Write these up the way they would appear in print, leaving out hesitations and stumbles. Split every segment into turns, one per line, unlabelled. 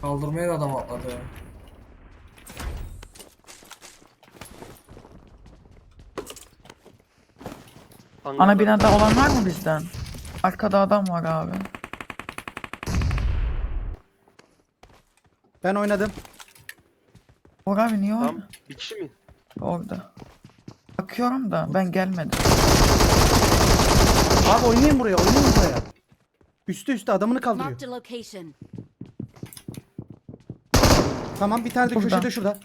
Kaldırmaya da adam atladı.
Ana binada olan var mı bizden?
Arkada adam var abi.
Ben oynadım.
Bora abi niye
Tamam.
orada?
Bir kişi mi?
Orada. Bakıyorum da ben gelmedim.
Abi oynayın buraya, oynayın buraya. Üste adamını kaldırıyor.
Marked a location.
Tamam, bir tane de
Burada.
köşede şurada.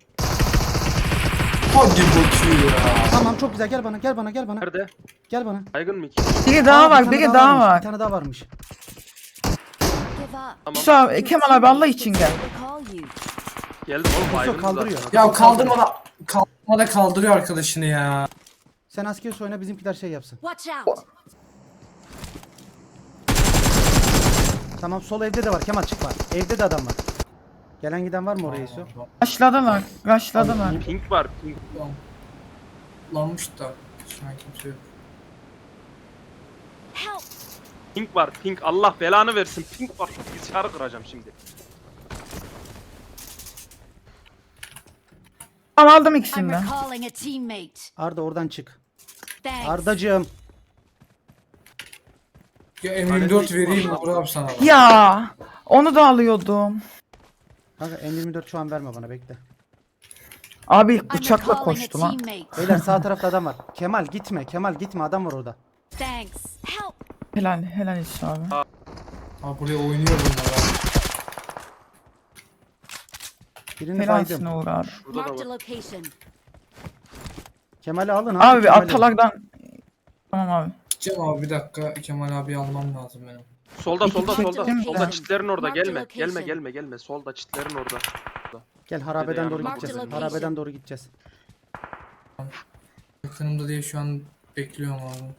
Hadi bakayım ya.
Tamam, çok güzel. Gel bana, gel bana, gel bana.
Nerede?
Gel bana.
Baygın mı iki?
Biri daha
Aa,
var,
bir tane
biri daha
varmış,
var.
Bir tane daha varmış.
Give up.
Tamam.
Musa, Kemal abi Allah için gel.
They call you.
Geldim oğlum baygın
kaldırıyor.
zaten.
Ya kaldırmada kaldırıyor arkadaşını ya.
Sen asker oyna, bizimkiler şey yapsın.
Watch out.
Tamam, sol evde de var. Kemal çık var. Evde de adam var. Gelen giden var mı oraya Yusuf?
Başladılar, başladılar.
Pink var. Pink.
Lanmış da. Şu an kimse yok.
Help.
Pink var. Pink. Allah belanı versin. Pink var. Bilgisayarı kıracağım şimdi.
Tamam aldım
I'm
ikisini de.
recalling a teammate.
Arda oradan çık.
Thanks.
Ardacığım.
Ya M24 vereyim Uğur abi sana. Bak.
Ya onu da alıyordum.
Kanka M24 şu an verme bana, bekle.
Abi
I'm
bıçakla
recalling a
koştu lan.
teammate.
Beyler sağ tarafta adam var. Kemal gitme, Kemal gitme, adam var orada.
Thanks. Help.
Helal, helal iş abi.
Ha buraya oynuyor bunlar ha.
Birini
Helalsin
baydım.
Uğur abi.
Burada da
Marked a
var.
location.
Kemal'i alın
Abi
Kemal'i.
atalardan... Tamam abi.
Gideceğim abi bir dakika. Kemal abi almam lazım benim.
Solda
İki
solda
kişi
solda.
çektim
Solda
ben.
çitlerin orada.
Marked
Gelme.
location.
Gelme gelme gelme. Solda çitlerin orada.
Gel harabeden doğru
Marked
gideceğiz.
location.
Harabeden doğru gideceğiz.
Yakınımda diye şu an bekliyorum abi.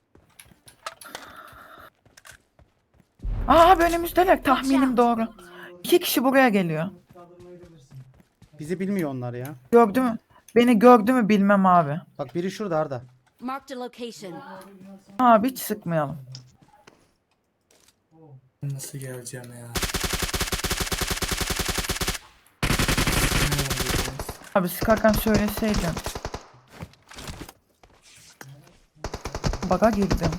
Aa abi önümüzdeler, tahminim doğru. 2 kişi buraya geliyor.
Bizi bilmiyor onlar ya.
Gördü mü? Beni gördü mü bilmem abi.
Bak biri şurada Arda.
Marked a location.
Abi hiç sıkmayalım.
Nasıl geleceğim ya?
Abi sıkarken söyleseydin. Baga girdim.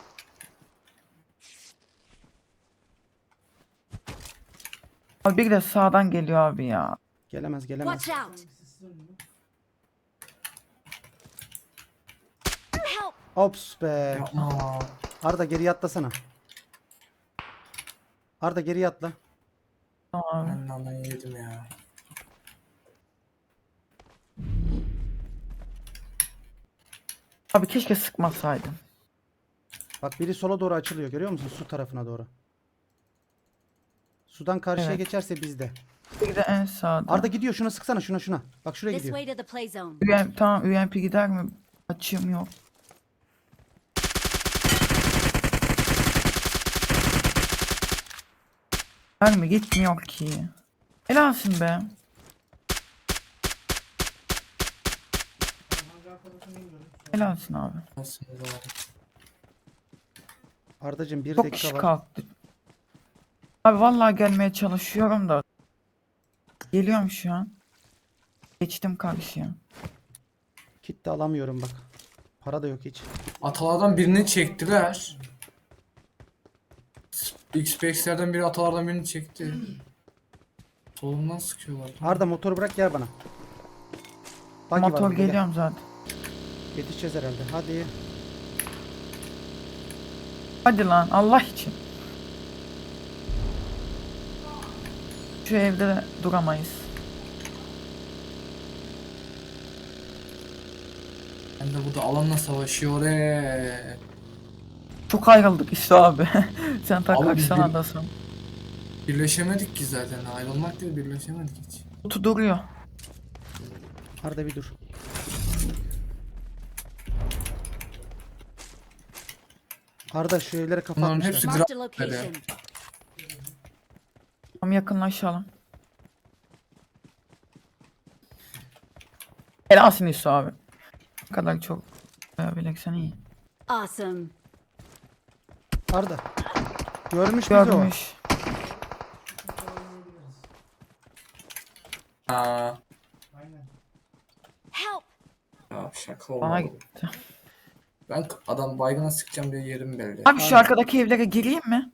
Abi bir de sağdan geliyor abi ya.
Gelemez gelemez.
Watch out. Help.
Ops be.
Yapma.
Arda geriye atlasana. Arda geriye atla.
Tamam abi.
Ben nanayı yedim ya.
Abi keşke sıkmasaydım.
Bak biri sola doğru açılıyor, görüyor musun? Su tarafına doğru. Sudan karşıya
Evet.
geçerse bizde.
Bir de en sağda.
Arda gidiyor, şuna sıksana, şuna. Bak şuraya
This
gidiyor.
way to the play zone.
Tamam UMP gider mi? Açığım yok. Gider mi? Gitmiyor ki. Helalsin be. Helalsin abi.
Nasıl abi?
Ardacığım bir
Çok
dakika
kişi
var.
kalktı. Abi vallahi gelmeye çalışıyorum da. Geliyorum şu an. Geçtim karşıya.
Kit de alamıyorum bak. Para da yok hiç.
Atalardan birini çektiler. XPX'lerden biri atalardan birini çekti. Solundan sıkıyorlar.
Arda motoru bırak gel bana. Buggy var
Motor
burada, gel.
geliyorum zaten.
Yetişeceğiz herhalde. Hadi.
Hadi lan Allah için. Şu evde de duramayız.
Ben de burada alanla savaşıyor
Çok ayrıldık işte abi. Sen tak
Abi
kaçsana
bir-
adasın.
Birleşemedik ki zaten. Ayrılmak değil birleşemedik hiç.
Kutu duruyor.
Arda bir dur. Arda şu evlere kafa
Bunların
atmışlar.
hepsi
Marked a
Gra-
location.
Tam yakınlaşalım. Helalsin Yusuf abi. Ne kadar çok bileksen iyi.
Awesome.
Arda. Görmüş bizi o.
Görmüş.
Aa,
Help!
ya şaka
Bana
oldu.
gitti.
Ben adam baygına sıkacağım diye yerim belli.
Abi şu arkadaki evlere gireyim mi?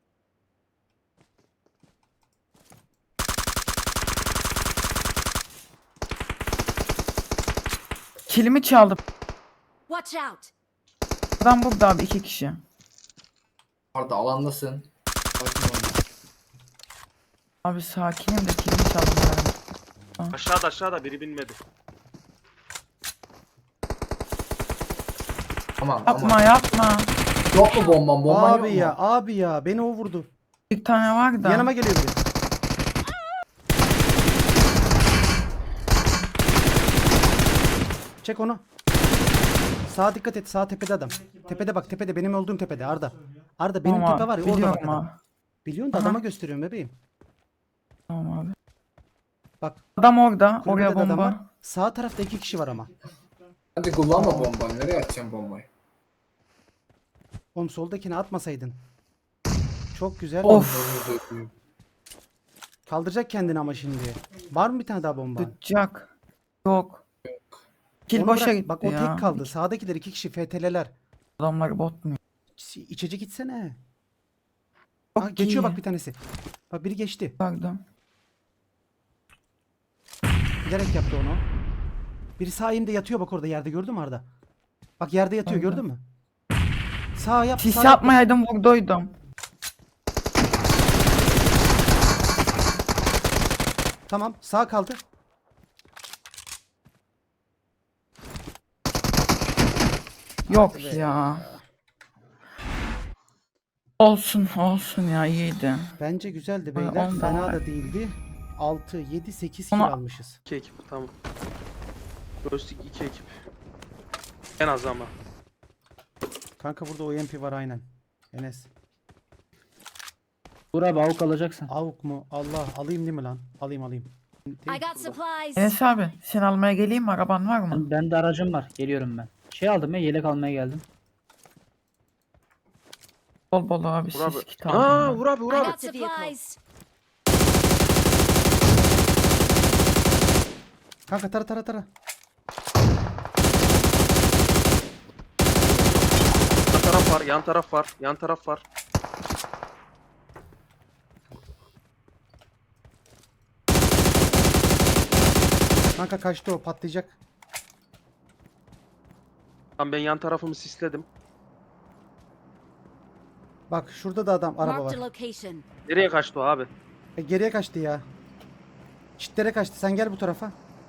Kilimi çaldım.
Watch out!
Adam burada abi 2 kişi.
Arda alandasın. Bakın ona.
Abi sakinim de kilimi çaldım.
Aşağıda biri binmedi.
Tamam
Yapma
ama.
yapma.
Yok mu bomban? Bomban yok
Abi
mu?
ya, abi ya, beni o vurdu.
Bir tane var da.
Yanıma geliyor biri. Çek onu. Sağa dikkat et. Sağ tepede adam. Tepede bak, tepede. Benim olduğum tepede Arda. Arda benim
Tamam
tepe var
abi,
ya, orada bak
biliyorum
adam.
abi.
Biliyorsun da
Aha.
adama gösteriyorum bebeğim.
Tamam abi.
Bak,
Adam orada.
kulübede
Oraya
de adam var.
bomba.
Sağ tarafta 2 kişi var ama.
Hadi kullanma bombayı. Nereye atacağım bombayı?
Oğlum soldakini atmasaydın. Çok güzel.
Of.
Kaldıracak kendini ama şimdi. Var mı bir tane daha bomba?
Tutacak. Yok. Kil
Onu
boşa
bırak.
gitti
Bak o
ya.
tek kaldı. Sağdakiler 2 kişi FTL'ler.
Adamlar bot mu?
İçecek gitsene.
Çok
Aa, geçiyor
iyi.
bak bir tanesi. Bak biri geçti.
Pardon.
Bilerek yaptı onu. Biri sağ elimde yatıyor bak orada yerde, gördün mü Arda? Bak yerde yatıyor,
Aynen.
gördün mü? Sağ yap.
Sis
sağ yap.
yapmayaydım vurduydum.
Tamam, sağ kaldı.
Yok ya. Olsun olsun ya iyiydi.
Bence güzeldi
Ay,
beyler.
ondan
Fena
var.
da değildi. 6, 7, 8 kill
Ama-
almışız.
2 ekip tamam. Roastik 2 ekip. En az ama.
Kanka burada OMP var aynen. Enes.
Dur abi avuk alacaksın.
Avuk mu? Allah, alayım değil mi lan? Alayım.
I got supplies.
Enes abi sen almaya geleyim mi? Araban var mı?
Ben de aracım var. Geliyorum ben. Şey aldım ya, yelek almaya geldim.
Bol bol abi
Vur abi.
siz kit
Aa
aldım.
vur abi vur
I
abi.
got supplies.
Kanka tara.
Yan taraf var.
Kanka kaçtı o, patlayacak.
Tamam ben yan tarafımı sisledim.
Bak şurada da adam, araba
Marked a
var.
location.
Nereye kaçtı o abi?
Geriye kaçtı ya. Çitlere kaçtı. Sen gel bu tarafa.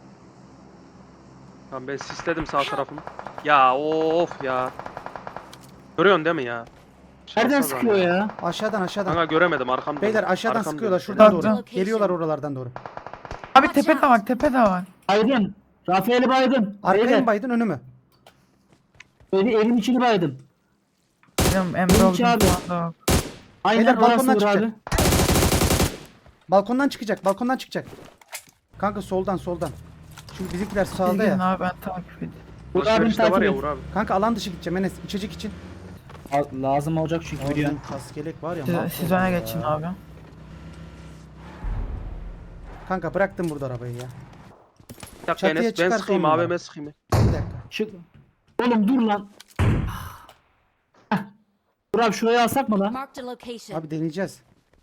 Tamam ben sisledim sağ tarafımı. Ya of ya. Görüyorsun değil mi ya?
Nereden
Şansa bak.
sıkıyor ya?
Aşağıdan.
Kanka göremedim arkamda.
Beyler aşağıdan
Arkamda.
sıkıyorlar şuradan
Bak,
doğru.
bak.
Geliyorlar oralardan doğru.
Abi tepe de var tepe de var.
Baydım. Rafael'i baydım.
Arkaya
Beyler,
mı baydın, önü mü?
evin içini baydım.
Benim Emre
Benimki
oldum
abi.
şu anda.
Aynen
Beyler,
orası
balkondan
vur
çıkacak.
abi.
Balkondan çıkacak. Kanka soldan. Çünkü bizimkiler
Siz
sağda
gidin
ya.
abi ben takip edeyim.
Vur abim
Alışverişte var
takip
ya
et.
vur abi.
Kanka alan dışı gideceğim Enes, içecek için.
Lazım olacak çünkü biliyorsun.
Oğlum kaskelek var ya.
Siz
mahvoldu
öne
ya.
geçin abi.
Kanka bıraktım burada arabayı ya.
Bir dakika
Çatıya
Enes ben
çıkarsa
sıkayım
on numara.
AVM sıkayım.
Bir dakika.
Çık. Oğlum dur lan. Heh. Dur abi şurayı alsak mı lan?
Marked a location.
Abi deneyeceğiz.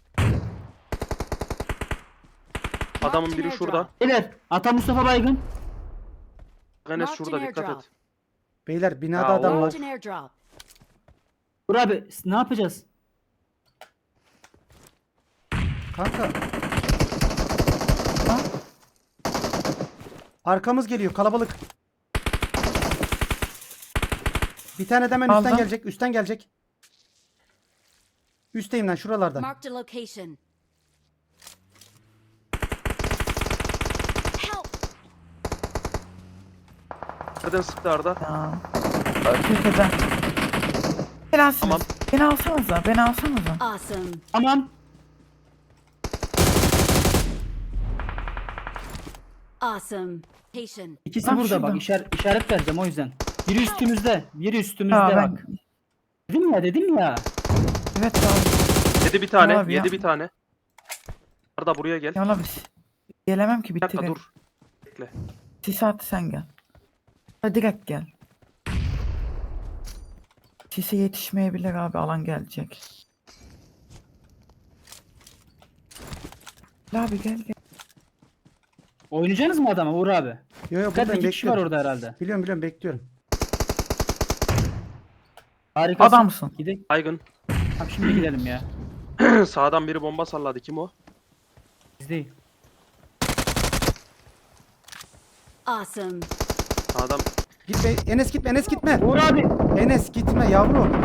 Adamın
Marked
biri
an
şurada.
airdrop.
Beyler Ata Mustafa baygın.
Enes
Marked
şurada
an
dikkat
airdrop.
et.
Beyler binada
Ya
adam var.
Marked an airdrop.
Dur abi ne yapacağız?
Kanka. Arkamız geliyor, kalabalık. Bir tane de hemen üstten
Aldım.
gelecek, üstten gelecek. Üstteyim lan, şuralardan.
Marked a location. Help!
Nereden sıktı Arda?
Ya. Tepeden. Beni alsınız.
Tamam.
Beni alsanıza.
Awesome.
Tamam.
Awesome. Location.
İkisi
Bak
burada
şurada.
bak işaret vereceğim o yüzden. Biri üstümüzde. Biri üstümüzde
Ya
bak.
ben...
Dedim ya.
Evet abi.
Yedi bir tane.
Abi ya.
Yedi bir tane. Arda buraya gel.
Ya abi. Gelemem ki
Bir dakika
bitirin.
dur. Bekle.
Sis at sen gel. Hadi direkt gel. Sise yetişmeyebilir abi, alan gelecek. Gel abi gel gel.
Oynayacaksınız mı adama Uğur abi?
Yo yo
Dikkat
buradayım,
2 kişi var
bekliyorum.
orada herhalde.
Biliyorum bekliyorum.
Harikasın.
Adamsın.
Gidelim.
Baygın.
Tamam şimdi gidelim ya.
Sağdan biri bomba salladı. Kim o?
Biz değil.
Awesome.
Sağdan.
Gitme Enes, gitme Enes, gitme.
Uğur abi.
Enes gitme yavrum.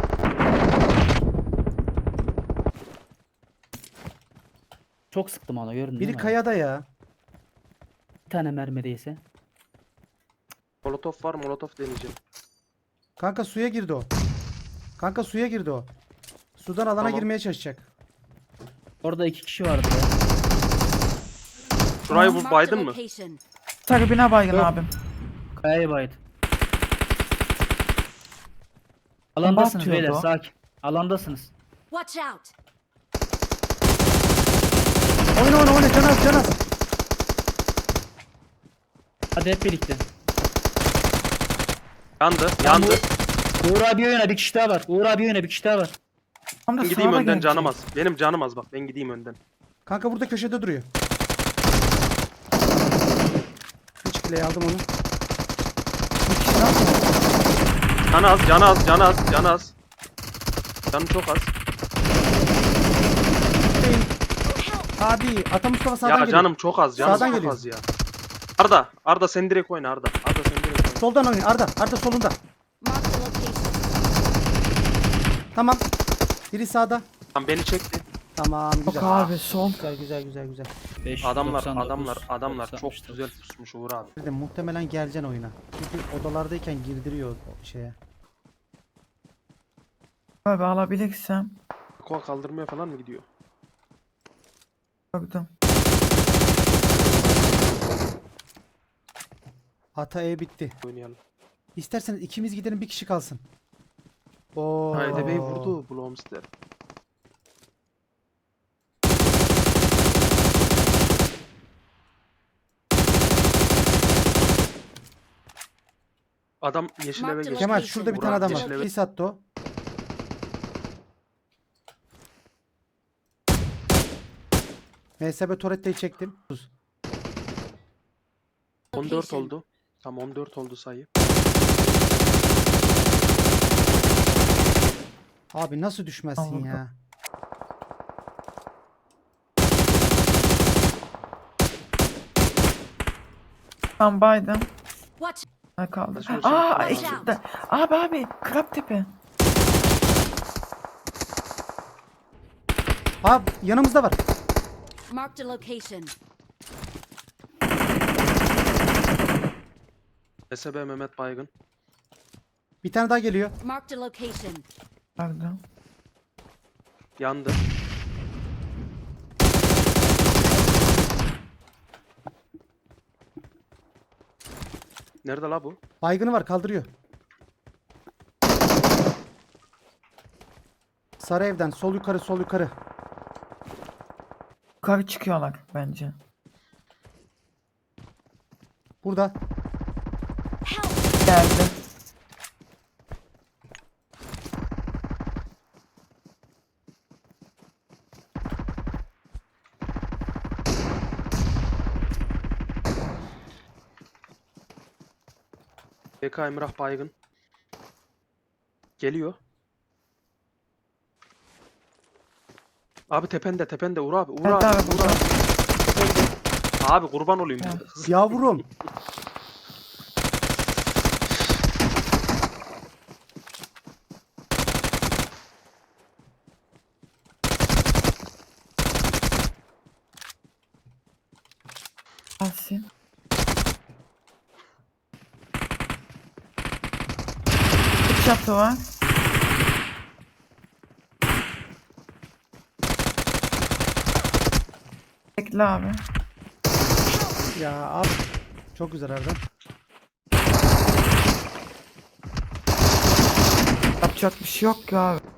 Çok sıktım ona gördün değil
Biri
mi?
kayada ya.
Bir tane mermi değse.
Molotof var. Molotof deneyeceğim.
Kanka suya girdi o. Kanka suya girdi o. Sudan alana
Tamam.
girmeye çalışacak.
Orada 2 kişi vardı ya.
Şurayı vur.
Marked a
Baydın mı?
location.
Tribüne baygın
Yok.
abim.
Kayaya baydı. Alandasınız
atıyordu
beyler
o.
sakin. Alandasınız.
Watch out.
Oyna Canaz.
Hadi hep birlikte.
Yandı. Yandı.
Uğur abi oyna bir kişi daha var. Uğur abi oyna bir kişi daha var.
Tam da
Ben gideyim
sağda
önden,
gelecek.
canım az. Benim canım az bak. Ben gideyim önden.
Kanka burada köşede duruyor. 3 kileyi aldım onu.
Bir kişi daha mı?
Canı az. Canı az. Canı az. Canı az. Canı çok az.
Abi Ata Mustafa sağdan
Ya
geliyor.
canım çok az. Canım
Sağdan
çok
geliyor.
az ya. Arda. Arda sen direkt oyna Arda. Arda sen direkt oyna.
Soldan oynuyor. Arda solunda.
Marked a location.
Tamam. Biri sağda.
Tamam beni çekti.
Tamam
Yok
güzel.
abi son.
Güzel.
599,
Adamlar çok
99.
güzel pusmuş Uğur abi.
Bir de muhtemelen geleceksin oyuna. Çünkü odalardayken girdiriyor o şeye.
Abi alabilirsem.
Kol kaldırmaya falan mı gidiyor?
Gördüm.
Ata E bitti.
Oynayalım.
İsterseniz ikimiz gidelim, bir kişi kalsın. Oo.
Haydi Bey vurdu Blomster. Adam yeşil eve geçti.
Kemal şurada bir tane adam var.
Yeşil eve-
Pis attı o. MSB Torette'yi çektim.
14 oldu. Tam 14 oldu sayı.
Abi nasıl düşmezsin
Anladım.
ya?
Ben baydım.
Watch.
Ne kaldı?
Şunu
Aa
çektim.
ekipte. Abi krab tipi.
Abi yanımızda var.
Marked a location.
SB Mehmet Baygın.
Bir tane daha geliyor.
Marked a location.
Pardon.
Yandı. Nerede la bu?
Baygını var, kaldırıyor. Sarı evden sol yukarı.
Yukarı çıkıyorlar bence.
Burada.
Geldi.
BK Emrah Baygın. Geliyor. Abi tepende Uğur abi. Uğur
Evet
abi.
abi
Uğur
burada.
abi. Abi kurban olayım.
Ha.
Yavrum.
Gelsin. Bir çatı var. Bekle abi.
Ya abi. Çok güzel Erdem.
Yapacak bir şey yok ya abi.